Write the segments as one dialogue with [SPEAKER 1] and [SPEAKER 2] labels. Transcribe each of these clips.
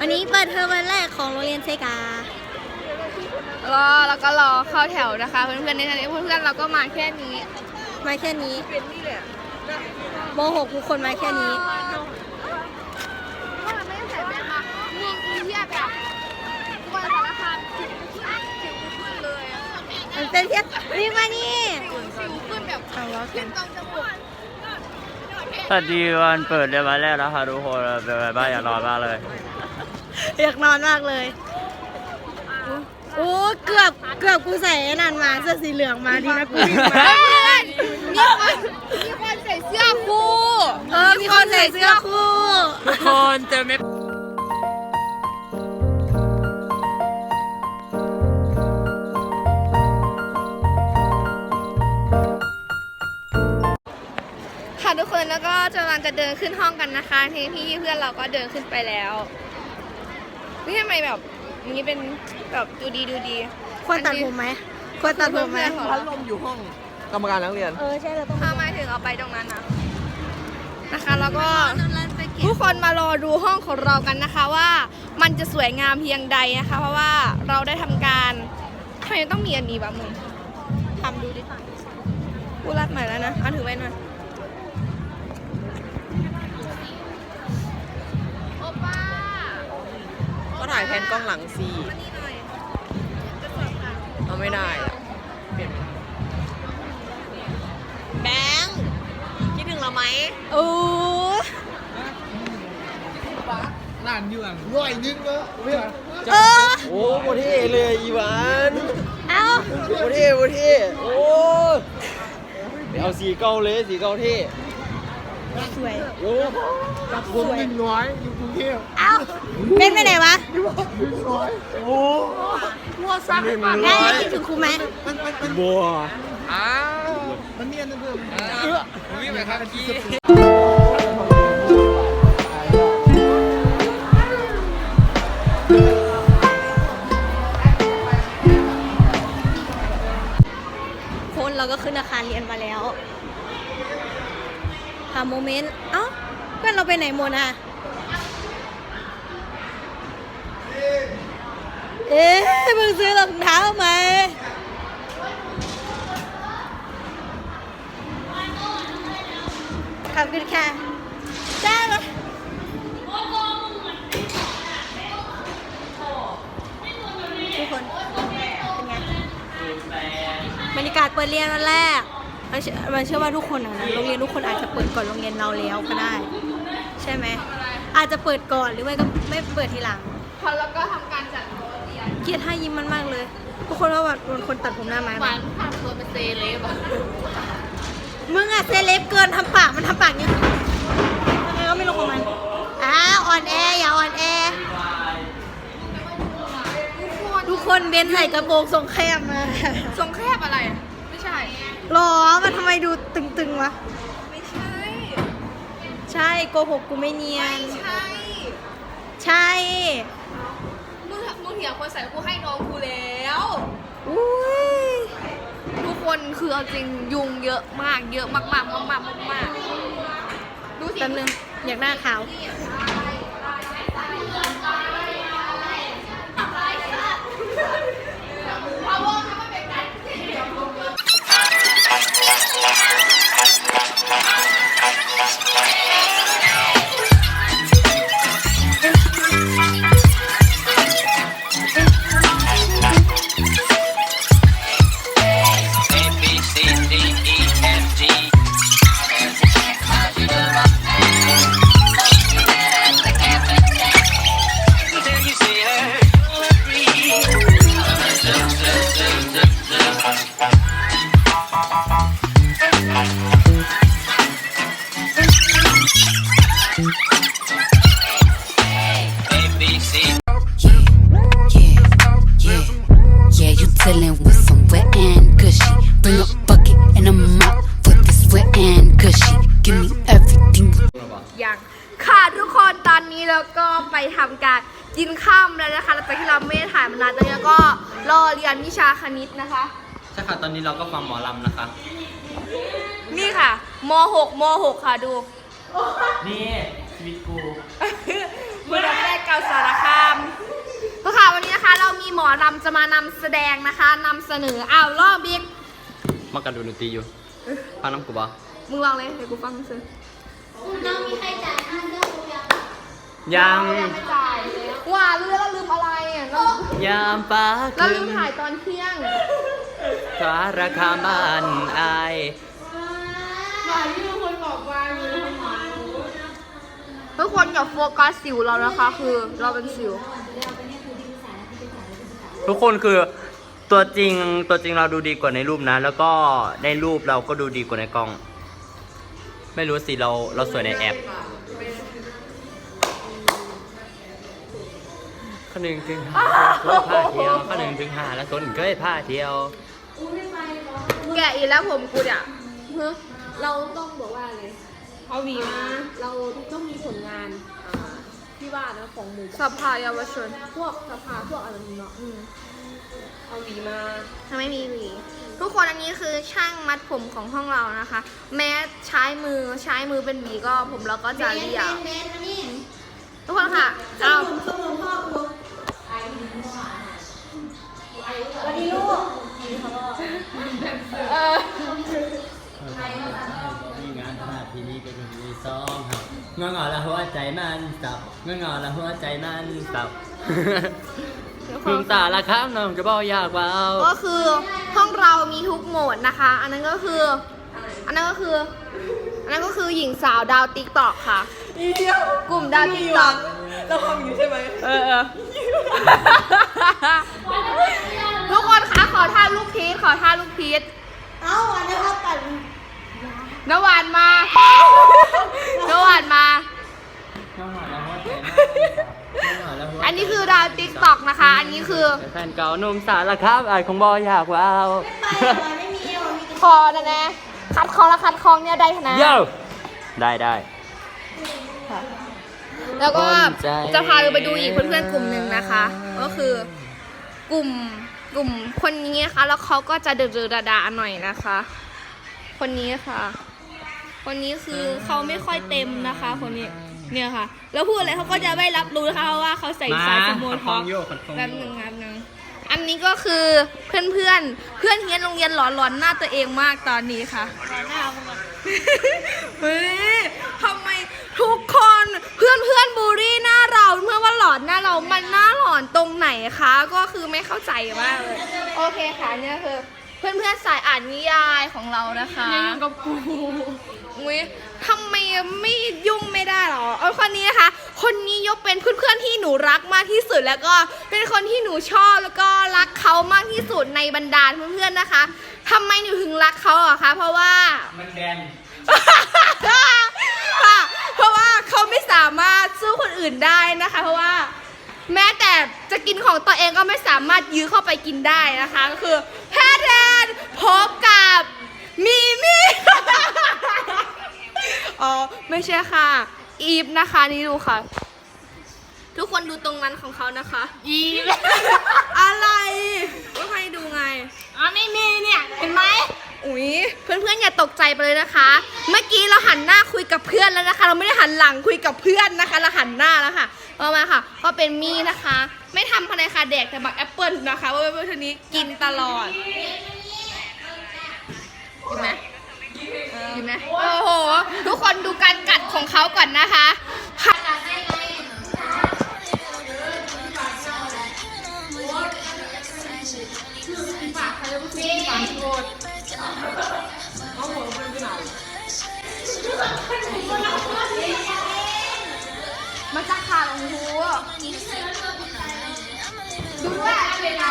[SPEAKER 1] วันนี้เปิดเทอมวันแรกของโรงเรียนเซกา
[SPEAKER 2] แล้วก็รอเข้าแถวนะคะเพื่อนๆในคณะเพื่อนๆเราก็มาแค่นี้
[SPEAKER 1] ม.6ทุกคนมาแค่นี้
[SPEAKER 2] ว่ามันไม่ได้ใส่แว่นมาง่วงเทียบแบบตัวสารคามสิวขึ้นเลย
[SPEAKER 1] มันเป็นเทียบนี่มานี่
[SPEAKER 2] สิวขึ้นแบบขึ้นตรงจมูก
[SPEAKER 3] สวัสดีวันเปิดเรียนวันแรกแล้วค่ะทุกคนเป็นไงบ้างอยากนอนมากเลย
[SPEAKER 1] อยากนอนมากเลยโอ้เกือบกูใส่นั่นมาเสื้อสีเหลืองมาดีนะกูวิ่งมา
[SPEAKER 2] มีคนใส่เสื้อคู่
[SPEAKER 1] มีคนใส่เสื้อคู่
[SPEAKER 3] ทุกคนเจอไหม
[SPEAKER 2] ค่ะทุกคนแล้วก็กำลังจะเดินขึ้นห้องกันนะคะที่พี่เพื่อนเราก็เดินขึ้นไปแล้วนี่ทำไมแบบนี้เป็นแบบดูดี
[SPEAKER 1] ควรตัดผมไหมพัด
[SPEAKER 4] ลมอยู่ห้องกรรมการนักเรียน
[SPEAKER 1] ใช่เราต้อง
[SPEAKER 2] ถ้ามาถึงเอาไปตรงนั้นนะคะแล้วก็ทุกคนมารอดูห้องของเรากันนะคะว่ามันจะสวยงามเพียงใดนะคะเพราะว่าเราได้ทำการทำไมต้องมีอันนี้บ้างมึงทำดูดิกูรัดใหม่แล้วนะเอาถือไว้หน่อยโอป้า
[SPEAKER 4] ก็ถ่ายแผนกล้องหลังสิเอาไม่ได้เปลี่ยนแบงค์คิดถึงเราไหม
[SPEAKER 1] โอ้
[SPEAKER 5] ร้านอยู่อ่ะร้อยนึงแล้ว
[SPEAKER 4] โอ้โหเท่เลยอีหวาน
[SPEAKER 1] เอ้า
[SPEAKER 4] โอ้เท่โอ้เอาสีเกาเลยสีเกาเท่
[SPEAKER 1] สวย
[SPEAKER 4] โอ้
[SPEAKER 5] กับผม100อยู่กรุงเทพ
[SPEAKER 1] เอ้าเป็นไปไหนวะ
[SPEAKER 4] โอ้
[SPEAKER 1] มัวซักได้คิดถึงครูไหม
[SPEAKER 4] บัว
[SPEAKER 5] มันเนียนนะเพื่อน
[SPEAKER 4] วิ่งไปครับพี่
[SPEAKER 1] คนเราก็ขึ้นอาคารเรียนมาแล้วหาโมเมนต์เอ้าเพื่อนเราไปไหนหมดอ่ะมึงซื้อรองเท้าไหมขอบคุณค่ะได้เลยทุกคนเป็นไงบรรยากาศเปิดเรียนวันแรกมันเชื่อว่าทุกคนนะโรงเรียนทุกคนอาจจะเปิดก่อนโรงเรียนเราแล้วก็ได้ใช่ไหมอาจจะเปิดก่อนหรือไม่ก็ไม่เปิดทีหลัง
[SPEAKER 2] พอแล้วก็ทำการจัดโต๊ะเรียน
[SPEAKER 1] เกลียดท่ายิ้มมันมากเลยทุกคนว่าแบบคนตัดผมหน้าไม้
[SPEAKER 2] หวานทำตัวเป็นเซเลบ
[SPEAKER 1] มึงอะเซเลบเกินทำปากมันทำปากเนี้ยยังไงก็ไม่รู้ของมันอ่อนแออย่าอ่อนแอทุกคนเบนใส่กระโปรงทรงแคบมา
[SPEAKER 2] ทรงแคบอะไรไม่ใช่
[SPEAKER 1] หรอมันทำไมดูตึงๆวะ
[SPEAKER 2] ไม่ใช่
[SPEAKER 1] ใช่โกหกกูไม่เนียนใช่
[SPEAKER 2] มึงเถียงคนใส่กูให้น้องกูแล้ว
[SPEAKER 1] อุ้ย
[SPEAKER 2] ทุกคนคือเอาจริงยุงเยอะมากดูสิ
[SPEAKER 1] แป๊บนึงอยากหน้าขาว
[SPEAKER 6] Chillin' with some wet and gushy. Bring a bucket and a mop for this wet and gushy. Give me everything.
[SPEAKER 2] อย่างค่ะทุกคนตอนนี้เราก็ไปทำการกินข้ามแล้วนะคะหลังจากที่เราไม่ได้ถ่ายมานานตอนนี้ก็รอเรียนวิชาคณิตนะคะ
[SPEAKER 3] ใช่ค่ะตอนนี้เราก็ฟังหมอลำนะคะ
[SPEAKER 2] นี่ค่ะม.6 ค่ะดู
[SPEAKER 3] นี่ชีวิตกู
[SPEAKER 2] เมื่อแรกเก่าสารคาอรำจะมานำแสดงนะคะนำเสนออ้าวรอบบิ๊ก
[SPEAKER 4] มากันดูดนตรีอยู่ฟังน้ำกูบ่
[SPEAKER 2] มึงลองเลยเดี๋ยวกูฟังซื้อ
[SPEAKER 1] น้องมีใครจ่ายค่าเรื่องหรือยัง
[SPEAKER 4] ยัง
[SPEAKER 2] ไม่จ่ายว่าเรื่องเราลืมอะไรอ่ะเรา
[SPEAKER 4] ยามฟ้า
[SPEAKER 2] เรา
[SPEAKER 4] ขึ้
[SPEAKER 2] ลื
[SPEAKER 4] น
[SPEAKER 2] มถ่ายตอนเที่ยง
[SPEAKER 4] ฟ้าราคาบ้านอาย
[SPEAKER 2] ทุกคนอย่าโฟกัสสิวเรานะคะ คือเราเป็นสิว
[SPEAKER 3] ทุกคนคือตัวจริงเราดูดีกว่าในรูปนะ แล้วก็ในรูปเราก็ดูดีกว่าในกล้อง ไม่รู้สิเราสวยในแอปข้อหนึ่งถึงห้าแล้วผ้าเที่ยวข้อหนึ่งถึงห้าแล้วคนเคยผ้าเที่ยว
[SPEAKER 2] แกะอีกแล้วผมกูเนี่ย
[SPEAKER 7] เราต้องบอกว่าอะไร
[SPEAKER 2] เอาหวีมา
[SPEAKER 7] เราต้องมีผลงานที่ว่านะของหมู่
[SPEAKER 2] สภาเยาวชน
[SPEAKER 7] พวกสภาพวกอะไรนี้เนาะเอาหวีมา
[SPEAKER 2] ทำไมมีหวีทุกคนอันนี้คือช่างมัดผมของห้องเรานะคะ แม้ใช้มือเป็นหวีก็ผมเราก็จะเรียบ
[SPEAKER 1] เบนมานี่
[SPEAKER 2] ทุกคนค่ะเอา
[SPEAKER 1] สมุนพ่อกูสวัสดีลูก
[SPEAKER 3] มีงานพาทีนี้ก็มีซ้อมครับงอๆแล้วหัวใจมันสับงอๆแล้วหัวใจมันสับพึ่งตาละครับน้องจะบอกยากว่า
[SPEAKER 2] ก็คือห้องเรามีทุกโหมดนะคะ อันนั้นก็คือหญิงสาวดาวติ๊กตอกค่ะกลุ่มดาวติ๊กตอกเราทำอยู่ใช่ไหมทุกคนคะขอท่าลูกพีช
[SPEAKER 1] เอ้าวันนี้เขาตัด
[SPEAKER 2] นวานมา อันนี้คือดาวติ๊กตอกนะคะ อันนี้คือ
[SPEAKER 3] แฟนเก่าหนุ่มสารครับอายคงบอกอยากว้าว
[SPEAKER 1] ไปวันไม่มีเอวมีแต่
[SPEAKER 2] คอนะนะคัดคองและคัดคองเนี่ยได้นะ
[SPEAKER 3] เย้ได้
[SPEAKER 2] แล้วก็
[SPEAKER 3] ภูมิใจ
[SPEAKER 2] จะพาเราไปดูอีกเพื่อนๆกลุ่มหนึ่งนะคะ ก็คือกลุ่มคนนี้นะคะแล้วเขาก็จะเดือดาหน่อยนะคะ คนนี้ค่ะ คนนี้คือเขาไม่ค่อยเต็มนะคะ คนนี้เนี่ยค่ะ แล้วพูดอะไรเขาก็จะไม่รับรู้นะคะเพราะว่าเขาใส่สายสโมทอปแป๊บนึงอันนี้ก็คือเพื่อนเฮียนโรงเรียนหลอนหน้าตัวเองมากตอนนี้ค่ะเฮ้ยทำไมทุกคนเพื่อนบูลลี่หน้าเราเมื่อว่าหลอนหน้าเรามันหน้าหลอนตรงไหนคะก็คือไม่เข้าใจมากเลยโอเคค่ะเนี่ยคือเพื่อนสายอ่านนิยายของเรานะคะยังกับกูอุ้ยทำไมไม่ยุ่งไม่ได้หรอคนนี้นะคะคนนี้ยกเป็นเพื่อนที่หนูรักมากที่สุดแล้วก็เป็นคนที่หนูชอบแล้วก็รักเขามากที่สุดในบรรดาเพื่อนๆนะคะทำไมหนูถึงรักเขาอะคะเพราะว่า
[SPEAKER 3] มันแดน
[SPEAKER 2] ค่ะเพราะว่าเขาไม่สามารถสู้คนอื่นได้นะคะ เพราะว่าแม้แต่จะกินของตัวเองก็ไม่สามารถยื้อเข้าไปกินได้นะคะก็คือแพทย์แทนพบกับมีมี่ อ๋อไม่ใช่ค่ะอีฟนะคะนี่ดูค่ะ ทุกคนดูตรงนั้นของเขานะคะอีฟ อะไรก็ให้ดูไงไม่มีเนี่ยเห็นไหมอุ๊ยเพื่อนๆอย่าตกใจไปเลยนะคะ เมื่อกี้เราหันหน้าคุยกับเพื่อนแล้วนะคะ เราไม่ได้หันหลังคุยกับเพื่อนนะคะเราหันหน้าแล้วค่ะเอามาค่ะก็เป็นมี่นะคะ ไม่ทำภายในค่ะแดกแต่บักแอปเปิลนะคะว่าเพื่อนๆนี้กินตลอดกินไหมกินไหมโอ้โหทุกคนดูการกัดของเขาก่อนนะคะมาจากขาของหูดูว่าเวลา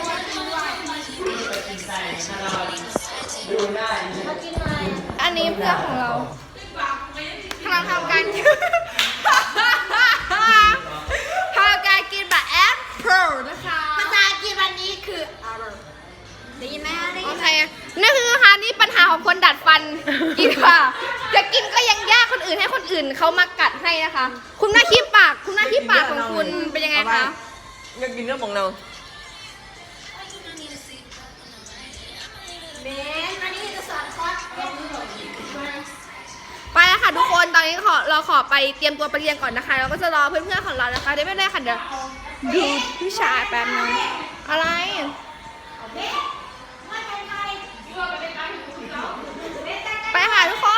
[SPEAKER 2] อันนี้เพื่อนของเรากำลังทำการกินแบบแอปเปิลนะคะ
[SPEAKER 1] ภาษาอังกฤษวันนี้คือได้ยินไหมได้ยิ
[SPEAKER 2] โอน
[SPEAKER 1] ไห
[SPEAKER 2] เค
[SPEAKER 1] ม
[SPEAKER 2] นี่คือค่ะนี่ปัญหาของคนดัดฟันกินค่ะจะกินก็ยังยากคนอื่นให้คนอื่นเขามากัดให้นะคะ คุณหน้าขี้ปากของคุณเป็นยังไงคะ
[SPEAKER 4] ยังกินเนื้อมองเรา
[SPEAKER 1] เบนวันนี้จะสอนคอร์สเรียนรู้หน่อย
[SPEAKER 2] ไปแล้วค่ะทุกคนตอนนี้เราขอไปเตรียมตัวไปเรียนก่อนนะคะเราก็จะรอเพื่อนๆของเรานะคะได้ไม่ได้ค่ะเดี๋ยวดูผู้ชายแป๊บนึงอะไรไปค่ะทุกคน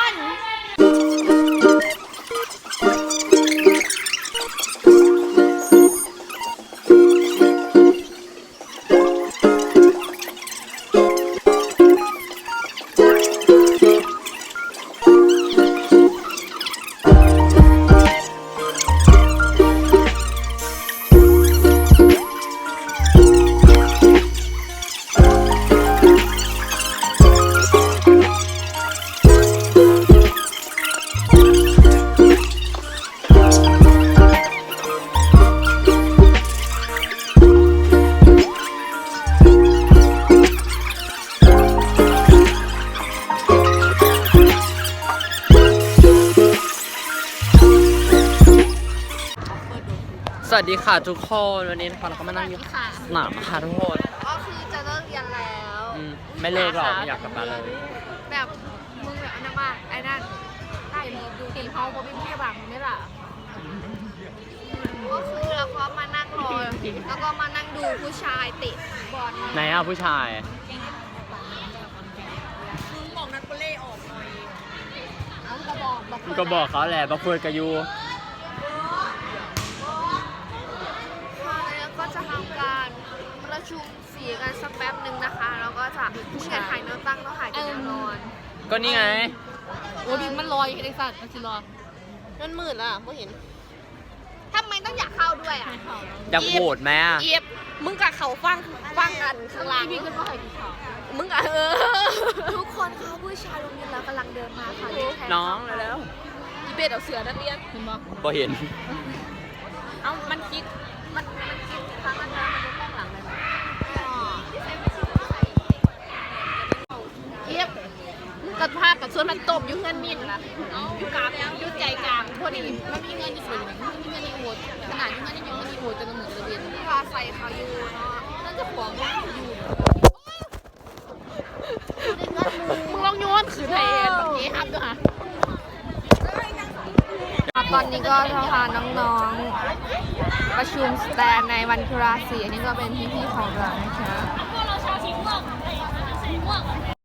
[SPEAKER 3] สวัสดีค่ะทุกคนวันนี้นะคะเราก็มานั่งอยู่สนามค่ะทุกคน
[SPEAKER 2] ก็คือจะเลิกเรียนแล้ว
[SPEAKER 3] ไม่เลิกหรอกไม่อยากกลับบ้านเลย
[SPEAKER 2] แบบมึงแบบอันนั้นมากไอ้นั่นได้ดูตีเขาเพราะเป็นพี่บังนี่แหละก็คือเราก็มานั่งรอแล้วก็มานั่งดูผู้ชายเตะบอล
[SPEAKER 3] ไหนอ่ะผู้ชาย
[SPEAKER 2] เอากระบอก
[SPEAKER 3] มึงก็บอกเขาแหละบอกเพื่อนกับยู
[SPEAKER 2] แล้วก็จะทำการประชุมสีกันสักแป๊บหนึ่งนะคะแล้วก็จะผู้ชายถ่ายแนวตั้งแล้วถ่ายกันแนวนอน
[SPEAKER 3] ก็นี่ไง
[SPEAKER 7] โอ้ยมันลอยไอ้สัตว์มันสิรอ
[SPEAKER 2] มันมืดอ่ะไม่เห็นทำไมต้องอยากเข้าด้วยอ่ะ
[SPEAKER 3] อยากโหวตไหมอ่ะ
[SPEAKER 2] เอียบมึงกับเขาฟังกันข้างหล่าง
[SPEAKER 7] พี่ขึ้นมาให้กินข้าว
[SPEAKER 2] มึงกับทุกคนเขาผู้ชายโรงเรียนเรากำลังเดินมาค่ะ
[SPEAKER 3] น้องแล้ว
[SPEAKER 2] อีเบสเอาเสือนักเรียน
[SPEAKER 7] เห็นบ่
[SPEAKER 3] พอเห็น
[SPEAKER 2] เอามันคิดครั้งนั้นมันจะต้องหลังเลยเอียบกับภาพกับส่วนมันตบอยู่เงินมินนะอยู่กลางอยู่ใจกลางพอดี
[SPEAKER 7] มันมีเงินอยู่ส่วนหนึ่งมันมีเงินในโหวตขนาดที่เงินในยังเงินในโหวตจะเหมือนระเบียน
[SPEAKER 2] พาใส่เขาอยู่เนาะนั่นจะขวางว่าอยู่มึงลองโยนขืนไทยเองแบบนี้ครับด้วยค่ะตอนนี้ก็จะพาน้องๆประชุมสแตนในวันคราสีอันนี้ก็เป็นพี่ๆของเรานะคะ